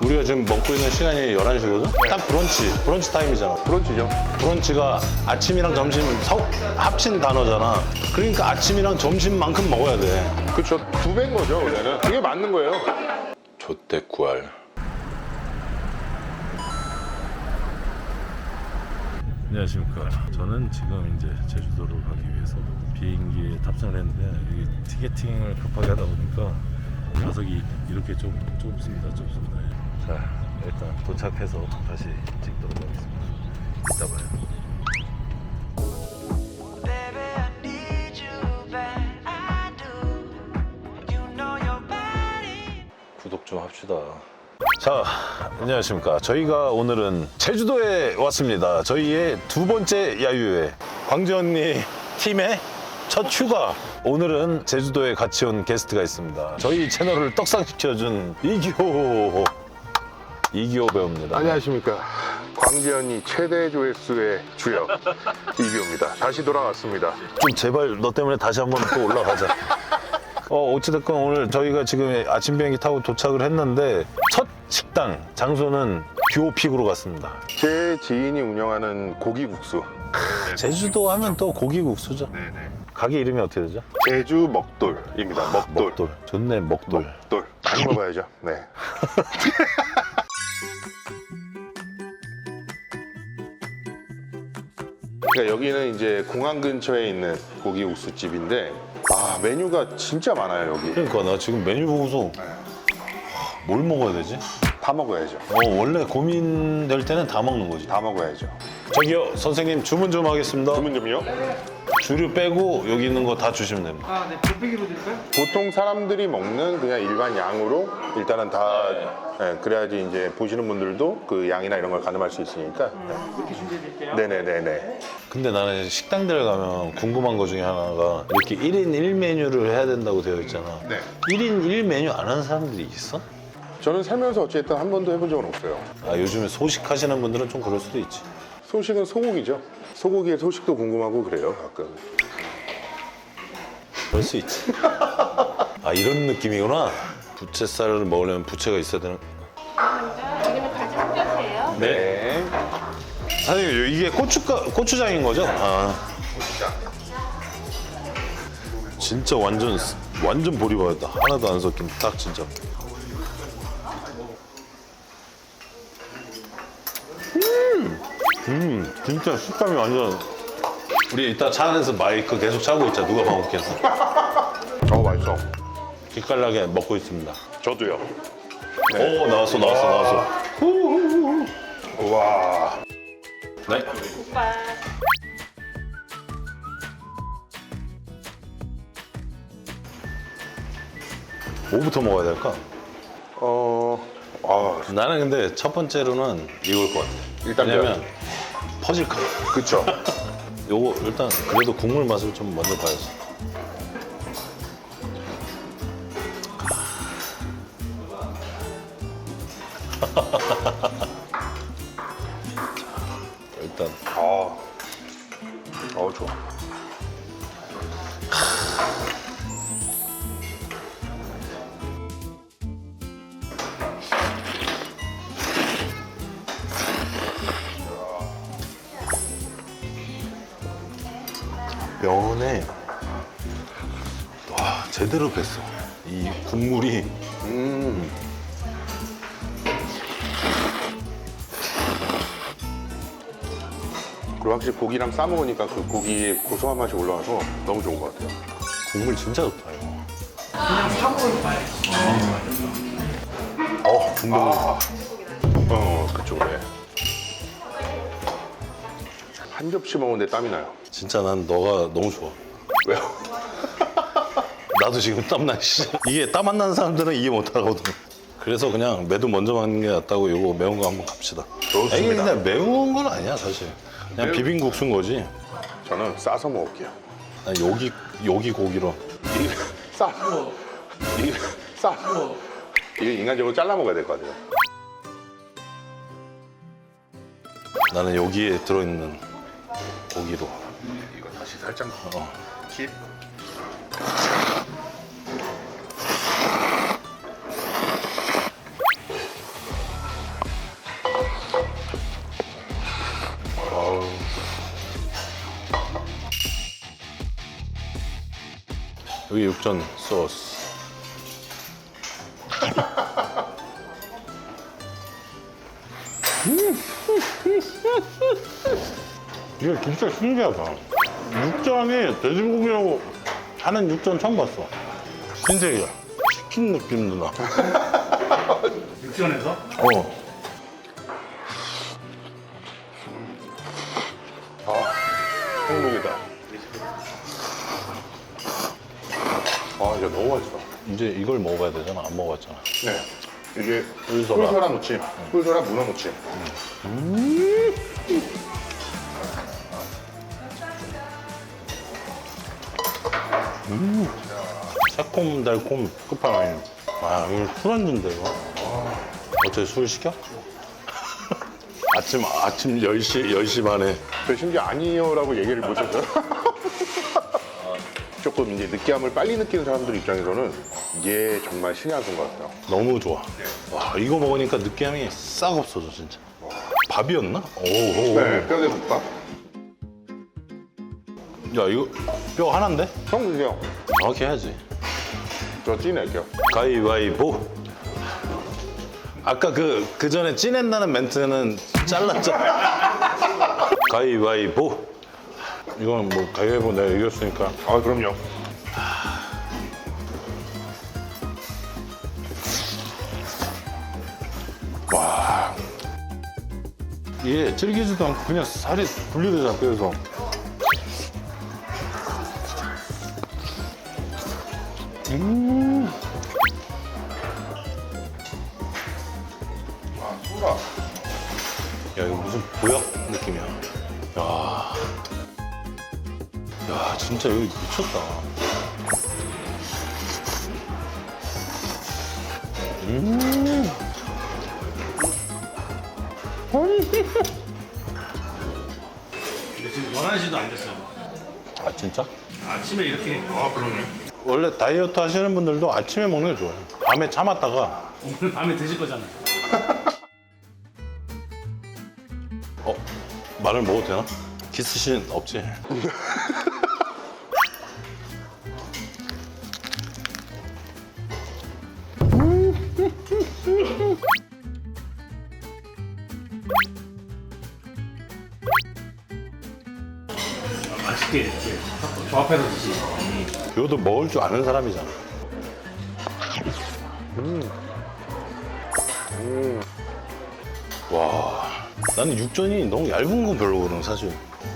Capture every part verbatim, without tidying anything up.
우리가 지금 먹고 있는 시간이 열한 시거든? 딱 브런치, 브런치 타임이잖아. 브런치죠. 브런치가 아침이랑 점심 서, 합친 단어잖아. 그러니까 아침이랑 점심만큼 먹어야 돼. 그쵸. 두 배인 거죠, 원래는. 그게 맞는 거예요. 좆대 구알. 안녕하십니까. 저는 지금 이제 제주도로 가기 위해서 비행기에 탑승을 했는데 여기 티켓팅을 급하게 하다 보니까 좌석이 이렇게 좀 좁습니다. 좁습니다. 자, 일단 도착해서 다시 찍도록 하겠습니다. 이따 봐요. 구독 좀 합시다. 자, 안녕하십니까. 저희가 오늘은 제주도에 왔습니다. 저희의 두 번째 야유회. 광재 언니 팀의 첫 휴가. 오늘은 제주도에 같이 온 게스트가 있습니다. 저희 채널을 떡상시켜준 이기호 이기호 배우입니다. 안녕하십니까. 광재현이 최대 조회수의 주역 이기호입니다. 다시 돌아왔습니다. 좀 제발 너 때문에 다시 한번 또 올라가자. 어, 어찌됐건 오늘 저희가 지금 아침 비행기 타고 도착을 했는데 첫 식당 장소는 듀오픽으로 갔습니다. 제 지인이 운영하는 고기국수. 제주도 하면 또 고기국수죠. 네네. 가게 이름이 어떻게 되죠? 제주 먹돌입니다. 먹돌. 먹돌. 좋네, 먹돌. 먹돌. 많이 먹어야죠. 네. 그러니까 여기는 이제 공항 근처에 있는 고기국수 집인데 아 메뉴가 진짜 많아요 여기. 그러니까 나 지금 메뉴 보고서 뭘 먹어야 되지? 다 먹어야죠. 어, 원래 고민될 때는 다 먹는 거지. 다 먹어야죠. 저기요, 선생님 주문 좀 하겠습니다. 주문 좀요. 주류 빼고 여기 있는 거 다 주시면 됩니다. 아, 네, 곱빼기로 드릴까요? 보통 사람들이 먹는 그냥 일반 양으로 일단은 다 예, 그래야지 이제 보시는 분들도 그 양이나 이런 걸 가늠할 수 있으니까. 그렇게 준비해 드릴게요. 네네네네. 근데 나는 식당들 가면 궁금한 거 중에 하나가 이렇게 일 인 일 메뉴를 해야 된다고 되어 있잖아. 네. 일 인 일 메뉴 안 하는 사람들이 있어? 저는 살면서 어쨌든 한 번도 해본 적은 없어요. 아, 요즘에 소식 하시는 분들은 좀 그럴 수도 있지. 소식은 소고기죠. 소고기의 소식도 궁금하고 그래요 가끔. 그럴 수 있지. 아, 이런 느낌이구나. 부채살을 먹으려면 부채가 있어야 되는. 먼저 지금은 가지 볶으세요. 네. 사장님, 이게 고추가, 고추장인 거죠? 아. 진짜 완전, 완전 보리밥이다. 하나도 안 섞인, 딱 진짜. 음! 음, 진짜 식감이 완전. 우리 이따 차 안에서 마이크 계속 차고 있자. 누가 방귀뀌어서. 어 맛있어. 기깔나게 먹고 있습니다. 저도요. 오, 나왔어, 나왔어, 나왔어. 우와. 네. 오빠. 뭐부터 먹어야 될까? 어. 아 나는 근데 첫 번째로는 이걸 것 같아. 일단 왜냐면 퍼질까 봐. 그쵸. 요거 일단 그래도 국물 맛을 좀 먼저 봐야지. 자, 일단 아. 어 좋아. 면에 와 제대로 뱄어. 이 국물이 음. 그리고 확실히 고기랑 싸 먹으니까 그 고기의 고소한 맛이 올라와서 너무 좋은 것 같아요. 국물 진짜 좋다 이거. 그냥 사고를 봐요. 어 중동. 아. 어 그쪽으로 해. 한 접시 먹는데 땀이 나요. 진짜 난 너가 너무 좋아. 왜요? 나도 지금 땀나. 씨. 이게 땀 안 나는 사람들은 이해 못 하거든. 그래서 그냥 매도 먼저 먹는 게 낫다고 이거 매운 거 한번 갑시다. 좋습니다. 이게 근데 매운 건 아니야 사실. 그냥 매운- 비빔국수인 거지. 저는 싸서 먹을게요. 난 여기 여기 고기로. 이게 싸. 이게 싸. 이게 인간적으로 잘라 먹어야 될 것 같아요. 나는 여기에 들어있는 고기로. 이거 다시 살짝 어. 킵. 여기 육전 소스. 이게 진짜 신기하다. 육전이 돼지고기라고 하는 육전 처음 봤어. 신세계야. 치킨 느낌도 나. 육전에서? 어. 행복이다. 아, 이거 너무 맛있어. 이제 이걸 먹어봐야 되잖아. 안 먹어봤잖아. 네. 이게 꿀소라. 꿀소라 무침, 꿀소라 문어 무침. 새콤달콤 끝판왕이. 아, 이거 술안주인데 이거. 어째 술 시켜? 아침 아침 열 시 열 시 반에. 저 심지어 아니요라고 얘기를 못했어요. 조금 이제 느끼함을 빨리 느끼는 사람들 입장에서는 이게 정말 신의 한 수인 것 같아요. 너무 좋아. 와, 이거 먹으니까 느끼함이 싹 없어져 진짜. 밥이었나? 오, 오, 오. 네, 뼈대 국밥. 야, 이거 뼈 하나인데? 형 드세요. 정확히 해야지. 저 찐할게요. 가위바위보. 아까 그, 그 전에 찐했다는 멘트는 잘랐잖아. 가위바위보. 이건 뭐 가위바위보 내가 이겼으니까. 아, 그럼요. 와. 이게 질기지도 않고 그냥 살이 분리되잖아, 뼈에서. 음. 아, 소라. 야, 이거 무슨 보약 느낌이야. 야. 야, 진짜 여기 미쳤다. 음. 근데 지금 열한 시도 안 됐어요. 아, 진짜? 아침에 이렇게. 아, 그러네. 원래 다이어트 하시는 분들도 아침에 먹는 게 좋아요. 밤에 참았다가. 오늘 밤에 드실 거잖아요. 어? 말을 먹어도 되나? 키스씬 없지? 맛있게 이렇게 조합해서 드시. 이것도 먹을 줄 아는 사람이잖아. 와, 나는 육전이 너무 얇은 건 별로거든, 사실.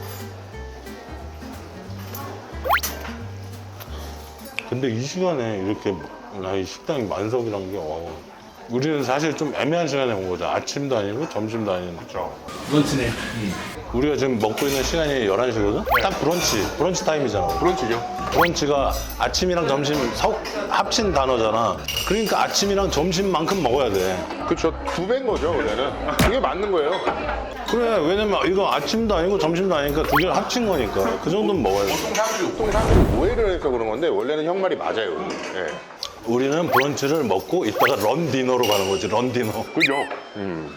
근데 이 시간에 이렇게 나이 식당이 만석이란 게, 와. 우리는 사실 좀 애매한 시간에 온 거죠. 아침도 아니고 점심도 아닌. 그렇죠. 브런치네. 우리가 지금 먹고 있는 시간이 열한 시거든? 딱 브런치, 브런치 타임이잖아. 브런치죠. 브런치가 아침이랑 점심 섞, 합친 단어잖아. 그러니까 아침이랑 점심만큼 먹어야 돼. 그렇죠. 두 배인 거죠, 원래는. 그게 맞는 거예요. 그래, 왜냐면 이거 아침도 아니고 점심도 아니니까 두 개를 합친 거니까. 그 정도는 먹어야 돼. 보통 사람들이, 보통 사람들이 오해를 해서 그런 건데 원래는 형 말이 맞아요. 예. 우리는 브런치를 먹고 이따가 런 디너로 가는 거지, 런 디너. 그죠? 음.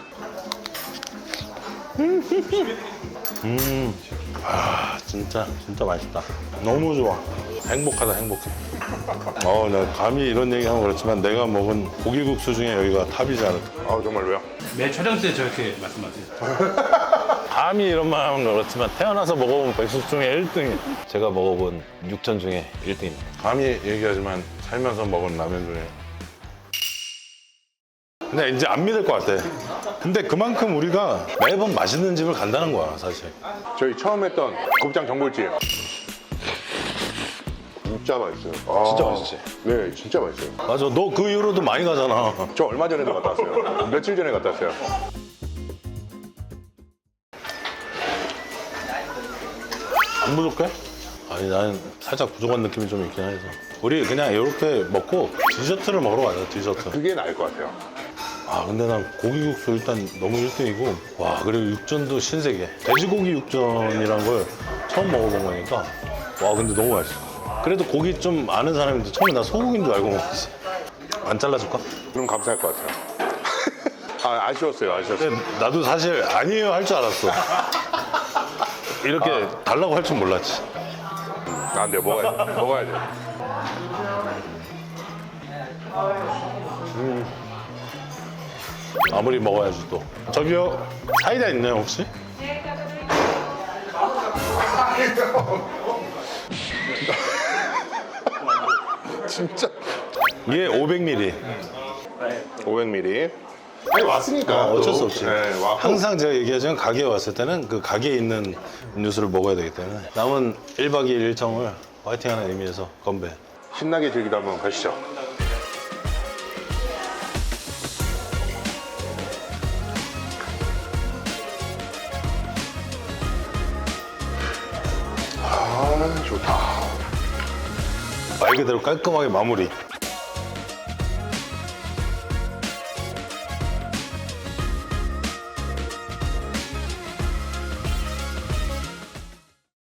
아, 진짜, 진짜 맛있다. 너무 좋아. 행복하다, 행복해. 어, 나 감히 이런 얘기하면 그렇지만 내가 먹은 고기국수 중에 여기가 탑이지 않을까. 아, 정말 왜요? 매 촬영 때 저렇게 말씀하세요. 감히 이런 말 하면 그렇지만 태어나서 먹어본 백숙 중에 일 등이. 제가 먹어본 육전 중에 일 등입니다. 감히 얘기하지만 살면서 먹은 라면 중에. 근데 이제 안 믿을 것 같아. 근데 그만큼 우리가 매번 맛있는 집을 간다는 거야, 사실. 저희 처음 했던 곱창 전골집. 진짜 맛있어요. 아, 진짜 맛있지? 네, 진짜 맛있어요. 맞아, 너 그 이후로도 많이 가잖아. 저 얼마 전에도 갔다 왔어요. 며칠 전에 갔다 왔어요. 안 부족해? 아니, 나는 살짝 부족한 느낌이 좀 있긴 해서. 우리 그냥 이렇게 먹고 디저트를 먹으러 가자, 디저트. 그게 나을 것 같아요. 아, 근데 난 고기국수 일단 너무 일 등이고, 와, 그리고 육전도 신세계. 돼지고기 육전이란 걸 처음 먹어본 거니까, 와, 근데 너무 맛있어. 그래도 고기 좀 아는 사람인데 처음에 나 소고기인 줄 알고 먹었지. 안 잘라줄까? 그럼 감사할 것 같아요. 아, 아쉬웠어요, 아쉬웠어요. 근데 나도 사실 아니에요 할 줄 알았어. 이렇게 달라고 할 줄 몰랐지. 아, 안 돼요. 먹어야 돼. 먹어야 돼. 음. 아무리 먹어야지 또. 저기요, 사이다 있나요 혹시? 진짜 이게 오백 밀리리터. 오백 밀리리터. 아니 왔으니까 어, 어쩔 또. 수 없지. 네, 왔고. 항상 제가 얘기하지만 가게에 왔을 때는 그 가게에 있는 음료수를 먹어야 되기 때문에 남은 일 박 이 일 일정을 화이팅하는 의미에서 건배. 신나게 즐기다 한번 가시죠. 아 좋다. 말 그대로 깔끔하게 마무리.